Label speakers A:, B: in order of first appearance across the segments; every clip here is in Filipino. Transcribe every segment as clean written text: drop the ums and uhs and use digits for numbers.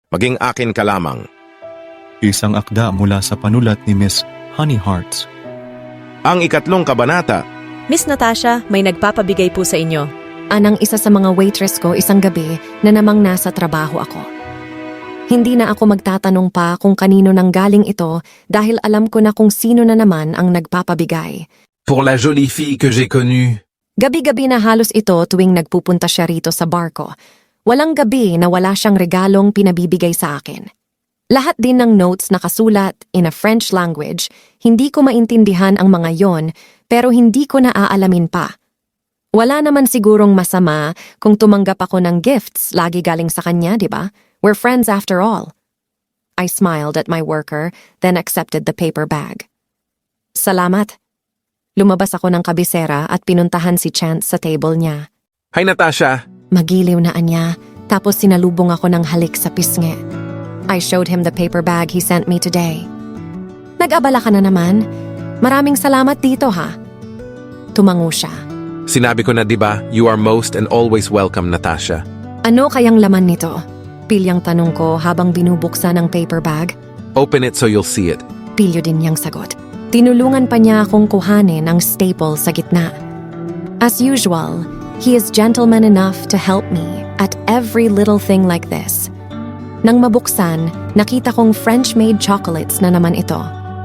A: Maging akin ka lamang.
B: Isang akda mula sa panulat ni Miss Honey Hearts.
A: Ang 3 kabanata.
C: Miss Natasha, may nagpapabigay po sa inyo.
D: Anang isa sa mga waitress ko isang gabi na namang nasa trabaho ako. Hindi na ako magtatanong pa kung kanino nang galing ito dahil alam ko na kung sino na naman ang nagpapabigay.
E: Pour la jolie fille que j'ai connue.
D: Gabi-gabi na halos ito tuwing nagpupunta siya rito sa barko. Walang gabi na wala siyang regalong pinabibigay sa akin. Lahat din ng notes nakasulat in a French language, hindi ko maintindihan ang mga yon pero hindi ko na aalamin pa. Wala naman sigurong masama kung tumanggap ako ng gifts lagi galing sa kanya, di ba? We're friends after all. I smiled at my worker, then accepted the paper bag. Salamat. Lumabas ako ng kabisera at pinuntahan si Chance sa table niya.
A: Hi Natasha!
D: Magiliw na anya, tapos sinalubong ako ng halik sa pisngi. I showed him the paper bag he sent me today. Nag-abala ka na naman. Maraming salamat dito ha. Tumango siya.
A: Sinabi ko na diba, you are most and always welcome, Natasha.
D: Ano kayang laman nito? Pilyang tanong ko habang binubuksan ang paper bag.
A: Open it so you'll see it.
D: Pilyo din niyang sagot. Tinulungan pa niya akong kuhanin ang staple sa gitna. As usual, he is gentleman enough to help me at every little thing like this. Nang mabuksan, nakita kong French-made chocolates na naman ito.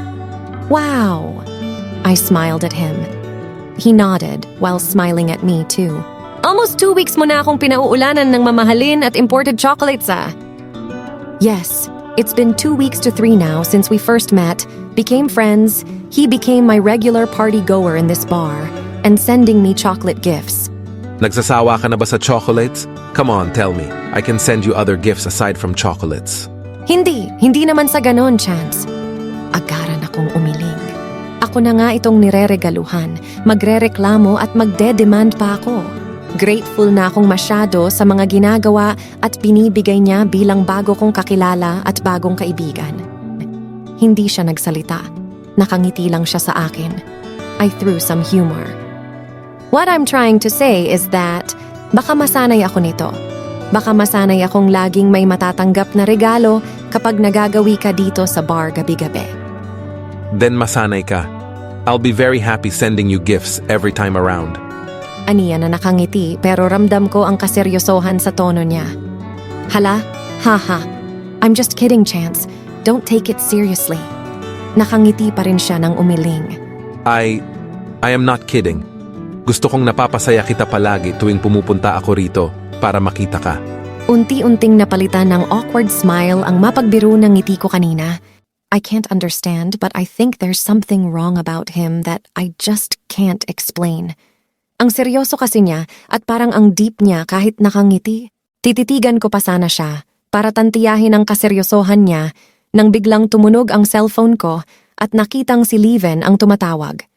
D: Wow! I smiled at him. He nodded while smiling at me too. Almost 2 weeks mo na akong pinauulanan ng mamahalin at imported chocolates ah. Yes, it's been 2 weeks to 3 now since we first met, became friends, he became my regular party-goer in this bar, and sending me chocolate gifts.
A: Nagsasawa ka na ba sa chocolates? Come on, tell me. I can send you other gifts aside from chocolates.
D: Hindi naman sa ganon, Chance. Agaran akong umiling. Ako na nga itong nireregaluhan, magrereklamo at magde-demand pa ako. Grateful na akong masyado sa mga ginagawa at binibigay niya bilang bago kong kakilala at bagong kaibigan. Hindi siya nagsalita. Nakangiti lang siya sa akin. I threw some humor. What I'm trying to say is that baka masanay ako nito. Baka masanay akong laging may matatanggap na regalo kapag nagagawi ka dito sa bar gabi-gabi.
A: Then masanay ka. I'll be very happy sending you gifts every time around.
D: Aniya na nakangiti pero ramdam ko ang kaseryosohan sa tono niya. Hala, haha. I'm just kidding, Chance. Don't take it seriously. Nakangiti pa rin siya ng umiling.
A: I am not kidding. Gusto kong napapasaya kita palagi tuwing pumupunta ako rito para makita ka.
D: Unti-unting napalitan ng awkward smile ang mapagbiro ng ngiti ko kanina. I can't understand but I think there's something wrong about him that I just can't explain. Ang seryoso kasi niya at parang ang deep niya kahit nakangiti. Tititigan ko pa sana siya para tantiyahin ang kaseryosohan niya nang biglang tumunog ang cellphone ko at nakitang si Leven ang tumatawag.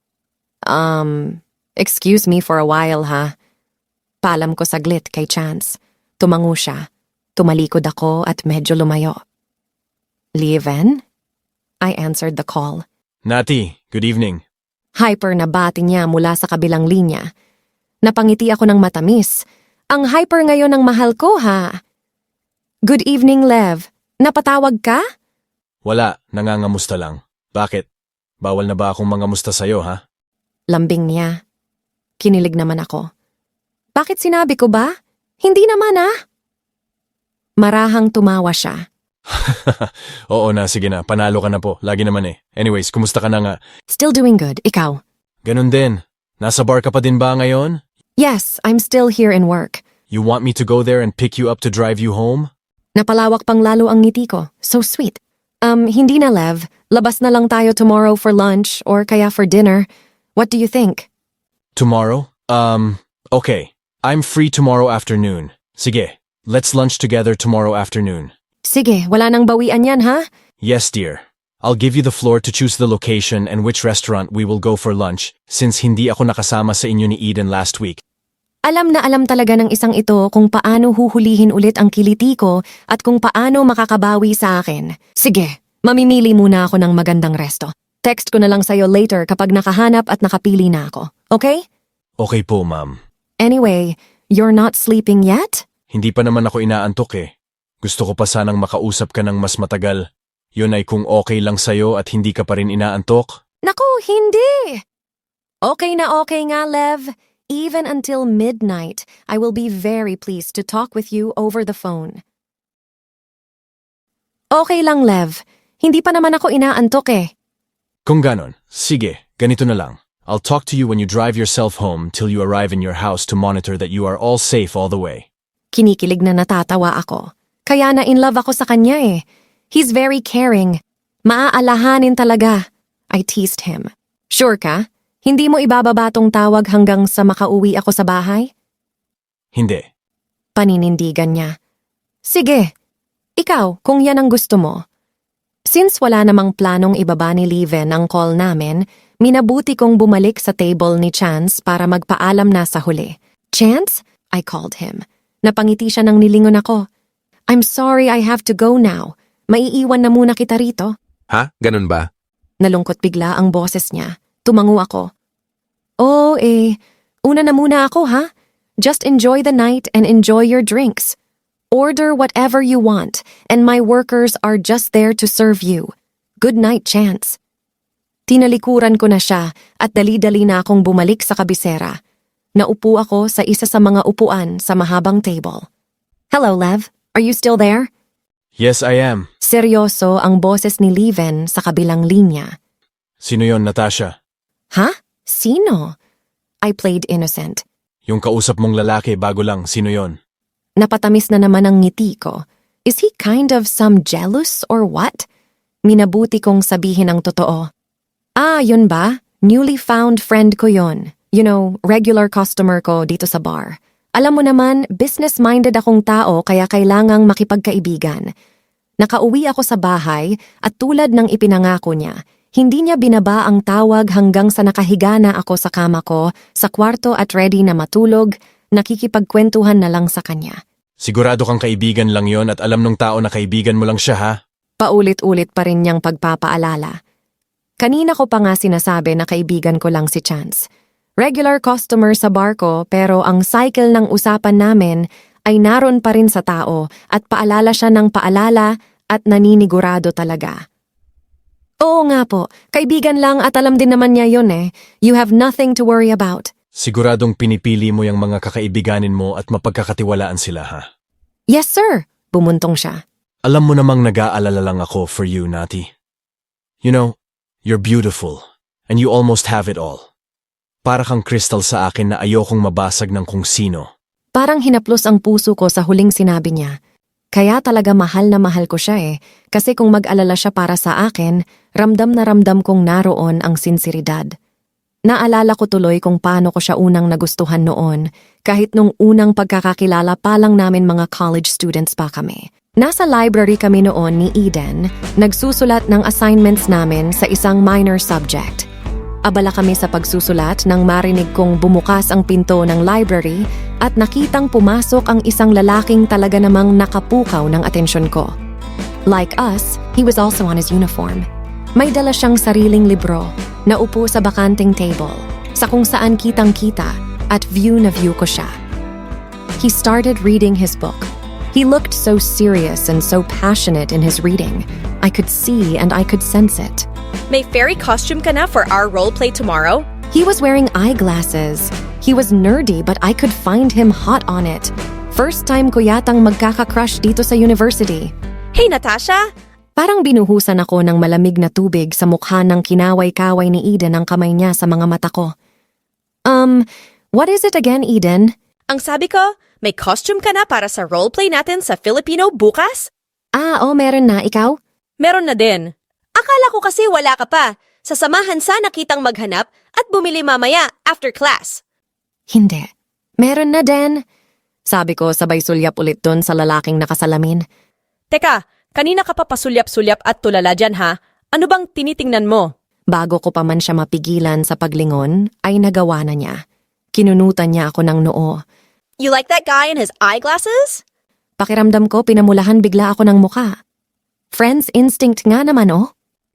D: Excuse me for a while ha. Palam ko saglit kay Chance. Tumango siya. Tumalikod ako at medyo lumayo. Leven? I answered the call.
F: Nati, good evening.
D: Hyper na bati niya mula sa kabilang linya. Napangiti ako ng matamis. Ang hyper ngayon ng mahal ko ha. Good evening, Lev. Napatawag ka?
F: Wala, nangangamusta lang. Bakit? Bawal na ba akong mangamusta sa'yo, ha?
D: Lambing niya. Kinilig naman ako. Bakit sinabi ko ba? Hindi naman ah. Marahang tumawa siya.
F: Oo na, sige na. Panalo ka na po. Lagi naman eh. Anyways, kumusta ka na nga?
D: Still doing good. Ikaw?
F: Ganun din. Nasa bar ka pa din ba ngayon?
D: Yes, I'm still here in work.
F: You want me to go there and pick you up to drive you home?
D: Napalawak pang lalo ang ngiti ko. So sweet. Hindi na, Lev. Labas na lang tayo tomorrow for lunch or kaya for dinner. What do you think?
F: Tomorrow? Okay. I'm free tomorrow afternoon. Sige, let's lunch together tomorrow afternoon.
D: Sige, wala nang bawian yan, ha?
F: Yes, dear. I'll give you the floor to choose the location and which restaurant we will go for lunch since hindi ako nakasama sa inyo ni Eden last week.
D: Alam na alam talaga ng isang ito kung paano huhulihin ulit ang kiliti ko at kung paano makakabawi sa akin. Sige, mamimili muna ako ng magandang resto. Text ko na lang sa'yo later kapag nakahanap at nakapili na ako. Okay?
F: Okay po, ma'am.
D: Anyway, you're not sleeping yet?
F: Hindi pa naman ako inaantok eh. Gusto ko pa sanang makausap ka ng mas matagal. Yun ay kung okay lang sa'yo at hindi ka pa rin inaantok.
D: Naku, hindi! Okay na okay nga, Lev. Even until midnight, I will be very pleased to talk with you over the phone. Okay lang, Lev. Hindi pa naman ako inaantok eh.
F: Kung ganon, sige, ganito na lang. I'll talk to you when you drive yourself home till you arrive in your house to monitor that you are all safe all the way.
D: Kinikilig na natatawa ako. Kaya na in love ako sa kanya eh. He's very caring. Maaalahanin talaga. I teased him. Sure ka? Hindi mo ibababa tong tawag hanggang sa makauwi ako sa bahay?
F: Hindi.
D: Paninindigan niya. Sige. Ikaw, kung yan ang gusto mo. Since wala namang planong ibaba ni Leven ang call namin, minabuti kong bumalik sa table ni Chance para magpaalam na sa huli. Chance? I called him. Napangiti siya nang nilingon ako. I'm sorry I have to go now. Maiiwan na muna kita rito.
A: Ha? Ganun ba?
D: Nalungkot bigla ang boses niya. Tumango ako. Oh una na muna ako ha? Just enjoy the night and enjoy your drinks. Order whatever you want, and my workers are just there to serve you. Good night, Chance. Tinalikuran ko na siya at dali-dali na akong bumalik sa kabisera. Naupo ako sa isa sa mga upuan sa mahabang table. Hello, Lev. Are you still there?
F: Yes, I am.
D: Seryoso ang boses ni Leven sa kabilang linya.
F: Sino yon, Natasha?
D: Ha? Sino? I played innocent.
F: Yung kausap mong lalaki bago lang, sino yon?
D: Napatamis na naman ang ngiti ko. Is he kind of some jealous or what? Minabuti kong sabihin ang totoo. Ah, yun ba? Newly found friend ko yon. You know, regular customer ko dito sa bar. Alam mo naman, business-minded akong tao kaya kailangang makipagkaibigan. Nakauwi ako sa bahay at tulad ng ipinangako niya, hindi niya binaba ang tawag hanggang sa nakahiga na ako sa kama ko, sa kwarto at ready na matulog, nakikipagkwentuhan na lang sa kanya.
F: Sigurado kang kaibigan lang yon at alam nung tao na kaibigan mo lang siya, ha?
D: Paulit-ulit pa rin niyang pagpapaalala. Kanina ko pa nga sinasabi na kaibigan ko lang si Chance. Regular customer sa bar ko pero ang cycle ng usapan namin ay naroon pa rin sa tao at paalala siya ng paalala at naninigurado talaga. Oo nga po, kaibigan lang at alam din naman niya yun eh. You have nothing to worry about.
F: Siguradong pinipili mo yung mga kakaibiganin mo at mapagkakatiwalaan sila, ha?
D: Yes sir, bumuntong siya.
F: Alam mo namang nag-aalala lang ako for you, Nati. You know, you're beautiful and you almost have it all. Para kang crystal sa akin na ayokong mabasag ng kung sino.
D: Parang hinaplos ang puso ko sa huling sinabi niya. Kaya talaga mahal na mahal ko siya eh, kasi kung mag-alala siya para sa akin, ramdam na ramdam kong naroon ang sinseridad. Naalala ko tuloy kung paano ko siya unang nagustuhan noon, kahit nung unang pagkakakilala pa lang namin mga college students pa kami. Nasa library kami noon ni Eden, nagsusulat ng assignments namin sa isang minor subject. Abala kami sa pagsusulat nang marinig kong bumukas ang pinto ng library at nakitang pumasok ang isang lalaking talaga namang nakapukaw ng atensyon ko. Like us, he was also on his uniform. May dala siyang sariling libro, naupo sa bakanting table, sa kung saan kitang-kita at view na view ko siya. He started reading his book. He looked so serious and so passionate in his reading. I could see and I could sense it.
C: May fairy costume ka na for our roleplay tomorrow?
D: He was wearing eyeglasses. He was nerdy but I could find him hot on it. First time ko yatang magkaka-crush dito sa university.
C: Hey, Natasha!
D: Parang binuhusan ako ng malamig na tubig sa mukha ng kinaway-kaway ni Eden ang kamay niya sa mga mata ko. What is it again, Eden?
C: Ang sabi ko, may costume ka na para sa roleplay natin sa Filipino bukas?
D: Meron na. Ikaw?
C: Meron na din. Akala ko kasi wala ka pa. Sasamahan sana kitang maghanap at bumili mamaya after class.
D: Hindi. Meron na din. Sabi ko sabay sulyap ulit dun sa lalaking nakasalamin.
C: Teka, kanina ka pa pasulyap-sulyap at tulala dyan ha? Ano bang tinitingnan mo?
D: Bago ko pa man siya mapigilan sa paglingon, ay nagawa na niya. Kinunutan niya ako ng noo.
C: You like that guy and his eyeglasses?
D: Pakiramdam ko pinamulahan bigla ako ng muka. Friend's instinct nga naman oh.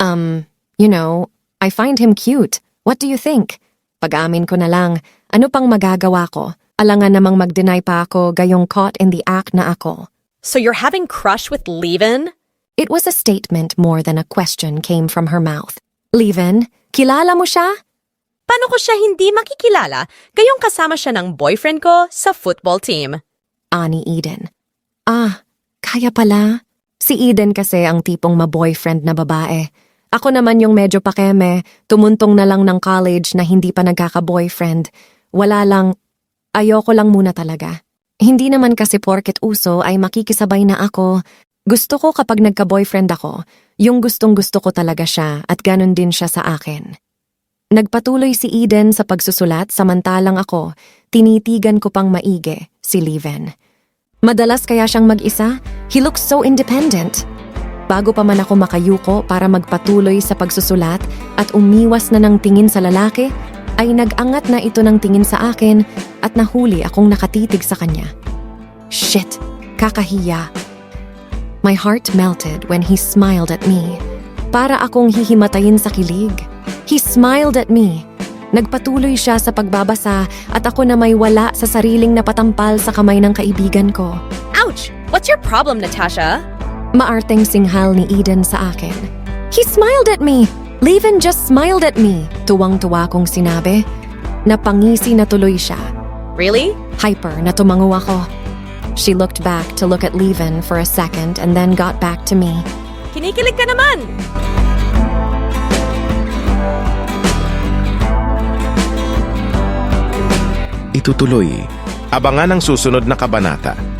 D: I find him cute. What do you think? Pag-amin ko na lang, ano pang magagawa ko? Alangan namang mag-deny pa ako gayong caught in the act na ako.
C: So you're having crush with Levin?
D: It was a statement more than a question came from her mouth. Levin, kilala mo siya?
C: Paano ko siya hindi makikilala gayong kasama siya ng boyfriend ko sa football team?
D: Ani Eden. Ah, kaya pala. Si Eden kasi ang tipong ma-boyfriend na babae. Ako naman yung medyo pakeme, tumuntong na lang ng college na hindi pa nagkaka-boyfriend. Wala lang, ayoko lang muna talaga. Hindi naman kasi porket uso ay makikisabay na ako. Gusto ko kapag nagka-boyfriend ako, yung gustong-gusto ko talaga siya at ganun din siya sa akin. Nagpatuloy si Eden sa pagsusulat samantalang ako, tinitigan ko pang maigi si Levin. Madalas kaya siyang mag-isa, he looks so independent. Bago pa man ako makayuko para magpatuloy sa pagsusulat at umiwas na ng tingin sa lalaki, ay nag-angat na ito ng tingin sa akin at nahuli akong nakatitig sa kanya. Shit, kakahiya. My heart melted when he smiled at me. Para akong hihimatayin sa kilig. He smiled at me. Nagpatuloy siya sa pagbabasa at ako na may wala sa sariling napatampal sa kamay ng kaibigan ko.
C: Ouch! What's your problem, Natasha?
D: Maarteng singhal ni Eden sa akin. He smiled at me! Levin just smiled at me! Tuwang-tuwa kong sinabi. Napangisi na tuloy siya.
C: Really?
D: Hyper na tumango ako. She looked back to look at Levin for a second and then got back to me.
C: Kinikilig ka naman!
A: Itutuloy. Abangan ang susunod na kabanata.